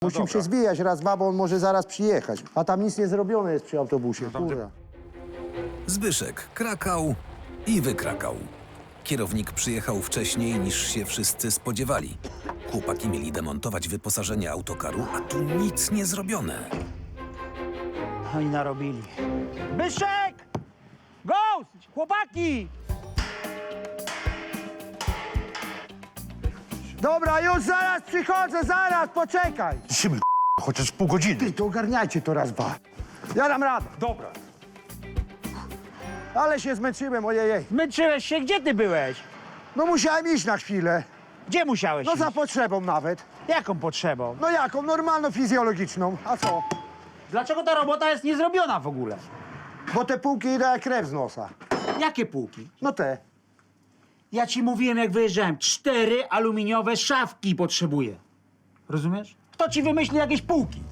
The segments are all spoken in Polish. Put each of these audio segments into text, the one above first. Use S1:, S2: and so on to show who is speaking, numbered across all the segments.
S1: Musimy się zwijać raz, dwa, bo on może zaraz przyjechać. A tam nic nie zrobione jest przy autobusie, kurwa.
S2: Zbyszek krakał i wykrakał. Kierownik przyjechał wcześniej niż się wszyscy spodziewali. Chłopaki mieli demontować wyposażenie autokaru, a tu nic nie zrobione.
S3: Oni narobili. Byszek! Ghost! Chłopaki!
S1: Dobra, już zaraz przychodzę, zaraz, poczekaj.
S4: Siły, chociaż pół godziny.
S1: Ty, to ogarniajcie to raz, dwa. Ja dam radę.
S4: Dobra.
S1: Ale się zmęczyłem, ojej.
S3: Zmęczyłeś się? Gdzie ty byłeś?
S1: No musiałem iść na chwilę.
S3: Gdzie musiałeś
S1: No
S3: iść?
S1: za potrzebą nawet.
S3: Jaką potrzebą?
S1: No jaką? Normalną, fizjologiczną. A co?
S3: Dlaczego ta robota jest niezrobiona w ogóle?
S1: Bo te półki idą jak krew z nosa.
S3: Jakie półki?
S1: No te.
S3: Ja ci mówiłem, jak wyjeżdżałem, 4 aluminiowe szafki potrzebuję. Rozumiesz? Kto ci wymyśli jakieś półki?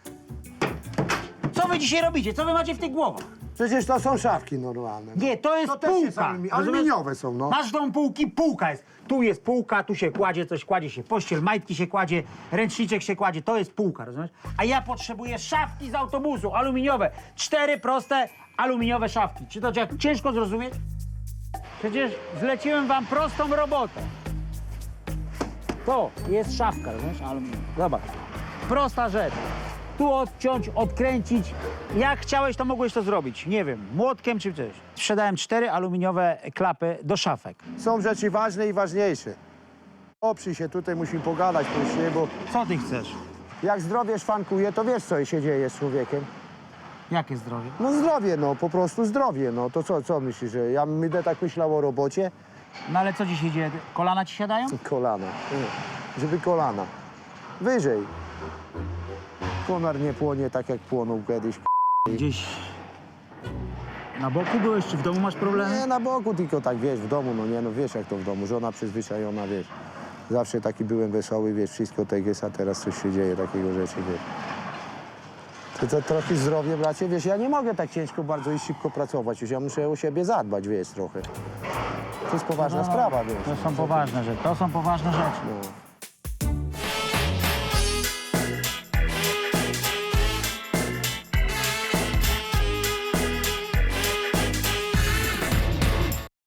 S3: Co wy dzisiaj robicie? Co wy macie w tych głowach?
S1: Przecież to są szafki normalne.
S3: Nie, to jest
S1: To też jest
S3: półka.
S1: aluminiowe
S3: rozumiesz?
S1: są, no.
S3: Masz tą półki, półka jest. Tu jest półka, tu się kładzie coś, kładzie się pościel, majtki się kładzie, ręczniczek się kładzie, to jest półka, rozumiesz? A ja potrzebuję szafki z autobusu, aluminiowe. 4 proste aluminiowe szafki. Czy to jak ciężko zrozumieć? Przecież zleciłem wam prostą robotę. To jest szafka, rozumiesz? Aluminiowa. Zobacz. Prosta rzecz. Tu odciąć, odkręcić. Jak chciałeś, to mogłeś to zrobić. Nie wiem, młotkiem czy coś. Sprzedałem 4 aluminiowe klapy do szafek.
S1: Są rzeczy ważne i ważniejsze. Oprzyj się, tutaj musimy pogadać później, bo
S3: Co ty chcesz?
S1: jak zdrowie szwankuje, to wiesz, co się dzieje z człowiekiem.
S3: Jakie zdrowie?
S1: No zdrowie, no, po prostu zdrowie, no. To co myślisz, że ja będę tak myślał o robocie?
S3: No ale co dzisiaj dzieje? Kolana ci siadają?
S1: Kolana, żeby kolana. Wyżej. Konar nie płonie tak, jak płonął kiedyś.
S3: Gdzieś na boku byłeś, czy w domu masz problemy?
S1: Nie, na boku, tylko tak, wiesz, w domu, no nie, no wiesz, jak to w domu. Żona przyzwyczajona, wiesz. Zawsze taki byłem wesoły, wiesz, wszystko tak jest, a teraz coś się dzieje, takiego rzeczy, wiesz. To trochę zdrowie, bracie, wiesz, ja nie mogę tak ciężko bardzo i szybko pracować, już ja muszę o siebie zadbać, wiesz, trochę. To jest poważna sprawa, wiesz.
S3: To są poważne rzeczy. To są poważne rzeczy.
S1: No.